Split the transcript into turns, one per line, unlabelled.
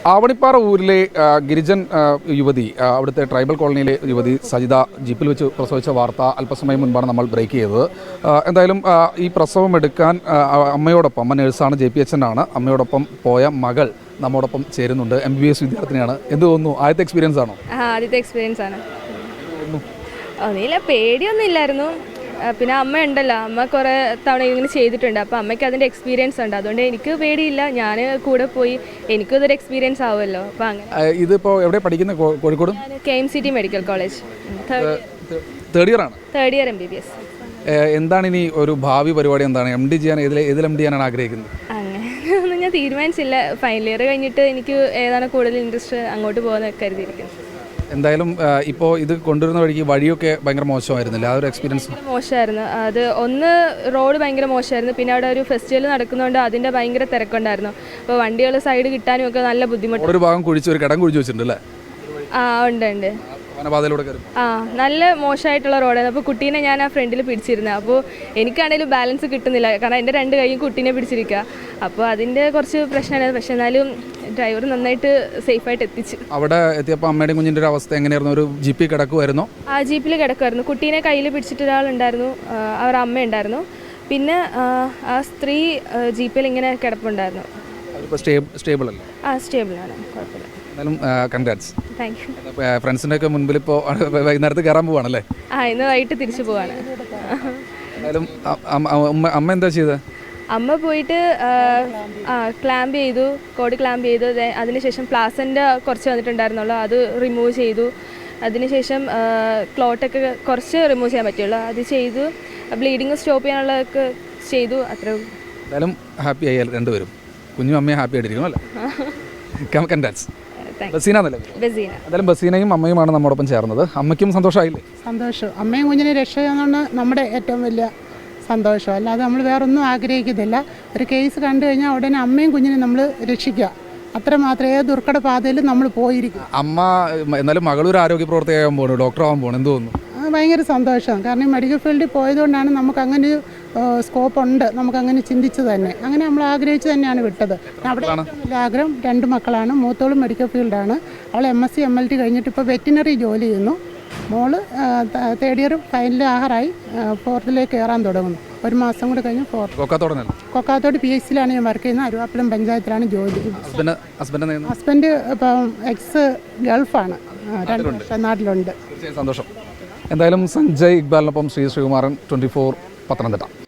ആവണിപ്പാറ ഊരിലെ ഗിരിജൻ യുവതി, അവിടുത്തെ ട്രൈബൽ കോളനിയിലെ യുവതി സജിത ജീപ്പിൽ വെച്ച് പ്രസവിച്ച വാർത്ത അല്പസമയം മുൻപാണ് നമ്മൾ ബ്രേക്ക് ചെയ്തത്. എന്തായാലും ഈ പ്രസവം എടുക്കാൻ അമ്മയോടൊപ്പം, അമ്മ നേഴ്സാണ്, JPHN ആണ്, അമ്മയോടൊപ്പം പോയ മകൾ നമ്മോടൊപ്പം ചേരുന്നുണ്ട്. MBBS വിദ്യാർത്ഥിനിയാണ്. എന്ത് തോന്നുന്നു? ആദ്യത്തെ എക്സ്പീരിയൻസ് ആണോ?
ആദ്യത്തെ എക്സ്പീരിയൻസ് ആണ്. ഒന്നുമില്ല, പേടിയൊന്നും ഇല്ലായിരുന്നു. പിന്നെ അമ്മ ഉണ്ടല്ലോ, അമ്മ കുറേ തവണ ഇങ്ങനെ ചെയ്തിട്ടുണ്ട്. അപ്പോൾ അമ്മയ്ക്ക് അതിൻ്റെ എക്സ്പീരിയൻസ് ഉണ്ട്, അതുകൊണ്ട് എനിക്ക് പേടിയില്ല. ഞാൻ കൂടെ പോയി, എനിക്കും ഇതൊരു എക്സ്പീരിയൻസ് ആവുമല്ലോ. അപ്പോൾ അങ്ങനെ.
ഇതിപ്പോൾ എവിടെ പഠിക്കുന്ന? Kozhikode
KMCT medical college
third year ആണ്.
Third year MBBS.
എന്താണ് ഇനി ഒരു ഭാവി പരിപാടി? എന്താണ് MD ചെയ്യാൻ? ഏതിൽ MD ചെയ്യാനാണ് ആഗ്രഹിക്കുന്നത്?
അങ്ങനെ ഒന്നും ഞാൻ തീരുമാനിച്ചില്ല. ഫൈനൽ ഇയർ കഴിഞ്ഞിട്ട് എനിക്ക് ഏതാണ് കൂടുതൽ ഇൻട്രസ്റ്റ് അങ്ങോട്ട് പോകുന്ന കരുതിയിരിക്കുന്നത്.
എന്തായാലും ഇപ്പോൾ ഇത് കൊണ്ടുവരുന്ന വഴിയൊക്കെ ഭയങ്കര മോശമായിരുന്നില്ല? ആ ഒരു എക്സ്പീരിയൻസ്
മോശമായിരുന്നു. അത് ഒന്ന് റോഡ് ഭയങ്കര മോശമായിരുന്നു, പിന്നെ അവിടെ ഒരു ഫെസ്റ്റിവൽ നടക്കുന്നതുകൊണ്ട് അതിൻ്റെ ഭയങ്കര തിരക്കുണ്ടായിരുന്നു. അപ്പോൾ വണ്ടികൾ സൈഡ് കിട്ടാനും ഒക്കെ നല്ല ബുദ്ധിമുട്ട്.
ഒരു ഭാഗം കുഴിച്ച്, ഒരു കിടം കുഴിച്ച് വെച്ചിട്ടുണ്ട് അല്ലേ?
ഉണ്ട്. നല്ല മോശമായിട്ടുള്ള റോഡായിരുന്നു. അപ്പോൾ കുട്ടീനെ ഞാൻ ആ ഫ്രണ്ടിൽ പിടിച്ചിരുന്നത്. അപ്പോൾ എനിക്കാണെങ്കിലും ബാലൻസ് കിട്ടുന്നില്ല, കാരണം എൻ്റെ രണ്ട് കൈയും കുട്ടീനെ പിടിച്ചിരിക്കുക. അപ്പോൾ അതിൻ്റെ കുറച്ച് പ്രശ്നമായിരുന്നു. പക്ഷെ എന്നാലും ഡ്രൈവർ നന്നായിട്ട് സേഫായിട്ട് എത്തിച്ചു.
അവിടെ എത്തിയപ്പോൾ അമ്മയുടെയും കുഞ്ഞിൻ്റെ ഒരു അവസ്ഥ എങ്ങനെയായിരുന്നു? ഒരു ജീപ്പിൽ കിടക്കുമായിരുന്നു?
ആ ജീപ്പിൽ കിടക്കുമായിരുന്നു. കുട്ടീനെ കയ്യിൽ പിടിച്ചിട്ട് ഒരാളുണ്ടായിരുന്നു, അവർ അമ്മ ഉണ്ടായിരുന്നു. പിന്നെ ആ സ്ത്രീ ജീപ്പിൽ ഇങ്ങനെ കിടപ്പുണ്ടായിരുന്നു.
സ്റ്റേബിൾ അല്ലേ?
സ്റ്റേബിളാണ്, കുഴപ്പമില്ല.
എന്നാലും കൺഗ്രാറ്റ്സ്.
Thank you.
ഫ്രണ്ട്സിൻ്റെ ഒക്കെ മുൻപിൽ ഇപ്പോൾ വൈകുന്നേരത്ത് കയറാൻ പോവാണല്ലേ?
ഇന്ന് വൈകിട്ട് തിരിച്ചു പോവാണ്.
എന്തായാലും അമ്മ എന്താ ചെയ്തത്?
അമ്മ പോയിട്ട് ക്ലാമ്പ് ചെയ്തു, കോഡ് ക്ലാമ്പ് ചെയ്തു. അതിനുശേഷം പ്ലാസൻ്റെ കുറച്ച് വന്നിട്ടുണ്ടായിരുന്നുള്ളൂ, അത് റിമൂവ് ചെയ്തു. അതിനുശേഷം ക്ലോട്ടൊക്കെ കുറച്ച് റിമൂവ് ചെയ്യാൻ പറ്റുള്ളൂ, അത് ചെയ്തു. ബ്ലീഡിങ് സ്റ്റോപ്പ് ചെയ്യാനുള്ളതൊക്കെ ചെയ്തു. അത്രയും.
എന്തായാലും ഹാപ്പി ആയി രണ്ടുപേരും. കുഞ്ഞും അമ്മയും ഹാപ്പി ആയിട്ടിരിക്കും അല്ലേ? കൺഗ്രാറ്റ്സ്. എന്തായാലും ബസീനയും അമ്മയുമാണ് നമ്മോടൊപ്പം ചേർന്നത്. അമ്മയ്ക്കും സന്തോഷമായില്ലേ?
സന്തോഷം. അമ്മയും കുഞ്ഞിനെ രക്ഷയെന്നാണ് നമ്മുടെ ഏറ്റവും വലിയ സന്തോഷം. അല്ലാതെ നമ്മൾ വേറൊന്നും ആഗ്രഹിക്കുന്നില്ല. ഒരു കേസ് കണ്ടു കഴിഞ്ഞാൽ ഉടനെ അമ്മയും കുഞ്ഞിനെ നമ്മൾ രക്ഷിക്കുക, അത്രമാത്രം. ഏത് ദുർഘട പാതയിലും നമ്മൾ പോയിരിക്കും.
അമ്മ എന്നാലും മകളൊരു ആരോഗ്യ പ്രവർത്തകയാകാൻ പോകണം, ഡോക്ടറാകാൻ പോകണം. എന്ത് തോന്നുന്നു?
ഭയങ്കര സന്തോഷം. കാരണം മെഡിക്കൽ ഫീൽഡിൽ പോയതുകൊണ്ടാണ് നമുക്ക് അങ്ങനെ ഒരു സ്കോപ്പ് ഉണ്ട്, നമുക്കങ്ങനെ ചിന്തിച്ച് തന്നെ, അങ്ങനെ നമ്മൾ ആഗ്രഹിച്ച് തന്നെയാണ് വിട്ടത്. അവിടെ ഏറ്റവും ആഗ്രഹം 2 മക്കളാണ്. മൂത്തോളും മെഡിക്കൽ ഫീൽഡാണ്. അവൾ MSc MLT കഴിഞ്ഞിട്ട് ഇപ്പോൾ വെറ്റിനറി ജോലി ചെയ്യുന്നു. മോള് തേർഡ് ഇയർ ഫൈനൽ ആഹാറായി, 4th കയറാൻ തുടങ്ങുന്നു. ഒരു മാസം കൂടെ കഴിഞ്ഞ് 4th. കൊക്കാത്തോട് PHCയിലാണ് ഞാൻ വർക്ക് ചെയ്യുന്നത്. അരുവാപ്പുലം പഞ്ചായത്തിലാണ് ജോലി. ഹസ്ബൻഡ് ഇപ്പം ഗൾഫാണ്, 2 വർഷം നാട്ടിലുണ്ട്.
സന്തോഷം. എന്തായാലും സഞ്ജയ് ഇക്ബാലിനൊപ്പം ശ്രീകുമാരൻ, 24 പത്തനംതിട്ട.